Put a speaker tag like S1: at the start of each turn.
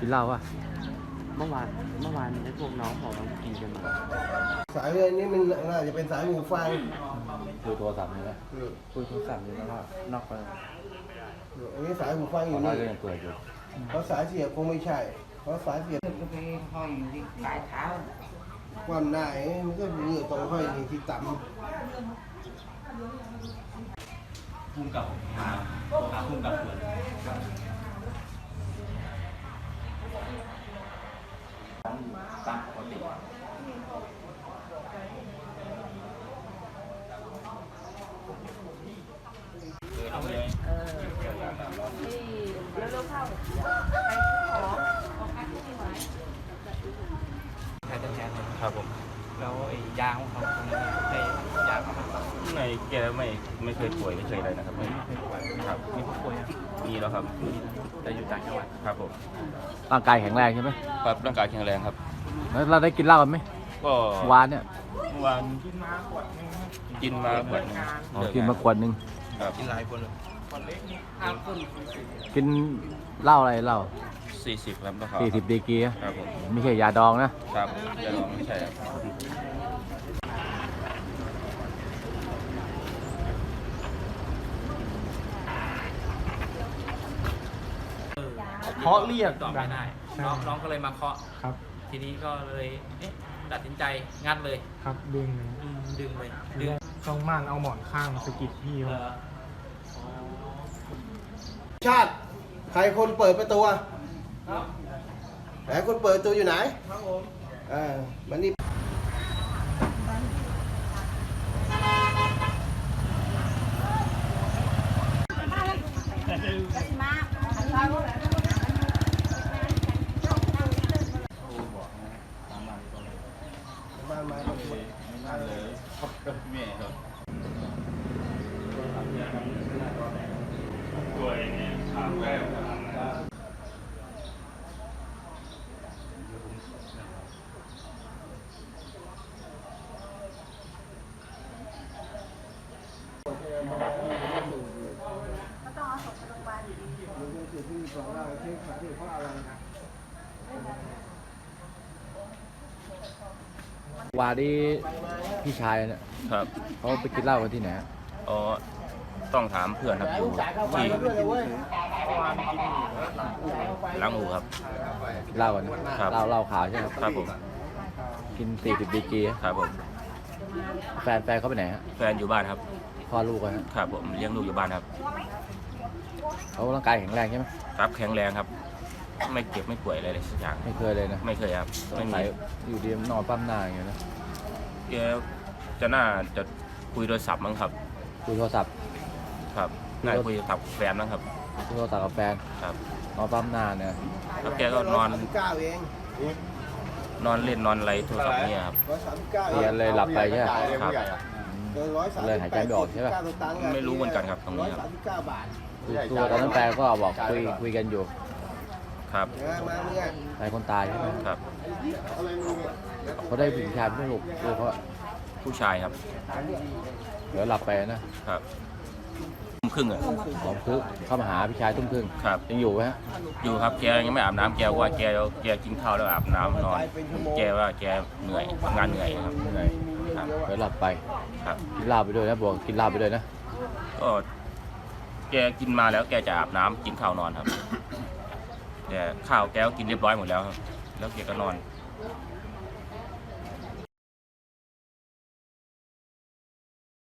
S1: กินเหล้าป่ะ
S2: เมื่อวานไอ้พวกน้องบอกว่ากินกันมา
S3: สายเรือนี้มันน่าจะเป็นสายหูฟัง
S1: คุยโทรศัพท์นี่ไหมคุยโทรศัพท์นี่แล้วก็นอกไป
S3: อันนี้สายหูฟังอยู่
S1: นี่
S3: นี่
S1: ก็ยังเปิดอยู่
S3: เพราะสายเสียบคงไม่ใช่ เพราะสายเสียบ
S4: ก็ไปห้อยอยู่ที่ปลายเท้า
S3: ความหน้ามันก็มีตรงห้อยนี่ที่ต่ำ
S5: พุ่งกับหาพุ่งกับเปิดตามปกติเอาเลย
S2: แท้แท้เลย
S5: ครับผม
S2: แล้วไอ้ยางของเขาตรงนี้ได้ยางมาบ้าง
S5: ไม่แกไม่เคยป่วยไม่เคยอะไรนะครับไม่ครับ
S2: มีผู้ป่วยอ่ะ
S5: มีแล้วครับ
S2: แต่อยู่ต่างจังหวัด
S5: ครับผม
S1: ร่างกายแข็งแรงใช่ไหม
S5: ครับร่างกายแข็งแรงครับ
S1: แล้วเราได้กินเหล้ากันไหม
S5: ก็
S1: วานเนี่ย
S5: เมื่อวานกินมาขวดนึง
S1: อ๋อกินมาขวดหนึง
S5: ครับ
S1: กินเหล้าอะไรเหล้า
S5: 40ครับราคา
S1: 40ดีกรีอะ
S5: ครับผม
S1: ไม่ใช่ยาดองนะครับ
S5: อย่าลองไม่ใช่ครับ
S2: เคาะเรียกตอบไม่ได้น้องก็เลยมาเคาะ
S6: ครับ
S2: ทีนี้ก็เลยตัดสินใจงัดเลย
S6: ครับดึงเลย
S2: ดึงเลยดึง
S6: ต้องม่านเอาหมอนข้างสะกิดพี่เขา
S3: ชาติ ใครคนเปิดประตูอะไหนคนเปิดประตูอยู่ไหนครับผมมันนี่บ้านไม้ก็สวย
S5: แม่ครับ
S1: วานี่พี่ชายเนี่ย
S5: ครับ
S1: เขาไปกินเหล้ากันที่ไหนอะ
S5: อ๋อต้องถามเพื่อนครับอยู่ที่ล้างหูครับ
S1: กินเหล้ากันนะครับ เหล้าขาวใช่ไหม
S5: ครับผม
S1: กิน40ดีกรีอะ
S5: ครับผม
S1: แฟนเขาไปไหนฮะ
S5: แฟนอยู่บ้านครับ
S1: พ่อลูกกันฮะ
S5: ครับผมเลี้ยงลูกอยู่บ้านครับ
S1: เขาร่างกายแข็งแรงใช่ไหม
S5: ครับแข็งแรงครับ ไม่เจ็บไม่ป่วยอะไรเลยสักอย่าง
S1: ไม่เคยเลยนะ
S5: ไม่เคยครับ
S1: ส
S5: ไม่
S1: ง
S5: มี
S1: สัยอยู่ดีนอนปั้มหน้าอย่างเงี้ยนะ
S5: แกจะน่าจะคุยโทรศัพท์มั้งครับ
S1: คุยโทรศัพท์
S5: ครับน่าจะคุยกับแฟนมั้งครับ
S1: คุยโทรศัพท์กับแฟน
S5: ครับ
S1: นอนปั้มหน้าเนี่ย
S5: แล้วแกก็นอน
S3: 139เอง
S5: นอนเล่นนอนอะไรโทรศัพท์เนี่ยครับ
S3: 139
S1: เรียนเลยหลับไปใช่ไหม
S5: ครับ
S3: เกิน139
S1: เลยหายใจไม่ออกใช่ปะ
S5: ไม่รู้เหมือนกันครับตรงนี้ครับ
S3: 139 บาท
S1: ตัวตอนนั้นแฟนก็บอกคุยกันอยู่
S5: ครับ
S3: มาเนี่ย
S1: แฟนคนตายใช่ไหม
S5: ครับ
S1: เขาได้ผู้ชายไม่ลูกคือเขา
S5: ผู้ชายครับ
S1: เดี๋ยวหลับไปนะครับ
S5: ทุ่มครึ่งอ่ะ
S1: สองคือเข้ามาหาพี่ชายทุ่มครึ่ง
S5: ครับ
S1: ยังอยู่ไหมฮะ
S5: อยู่ครับแกยังไม่อาบน้ำแกว่าแกกินข้าวแล้วอาบน้ำนอน แกว่าแกเหนื่อยทำงานเหนื่อยครับ
S1: เหนื่อย
S5: ครับ
S1: เดี๋ยวหลับไป
S5: ครับ
S1: กินเหล้าไปด้วยนะบอกกินเหล้าไปด้วยนะ
S5: ก็แกกินมาแล้วแกจะอาบน้ำกินข้าวนอนครับแต่ข้าวแกก็กินเรียบร้อยหมดแล้วครับแล้วแกก็นอน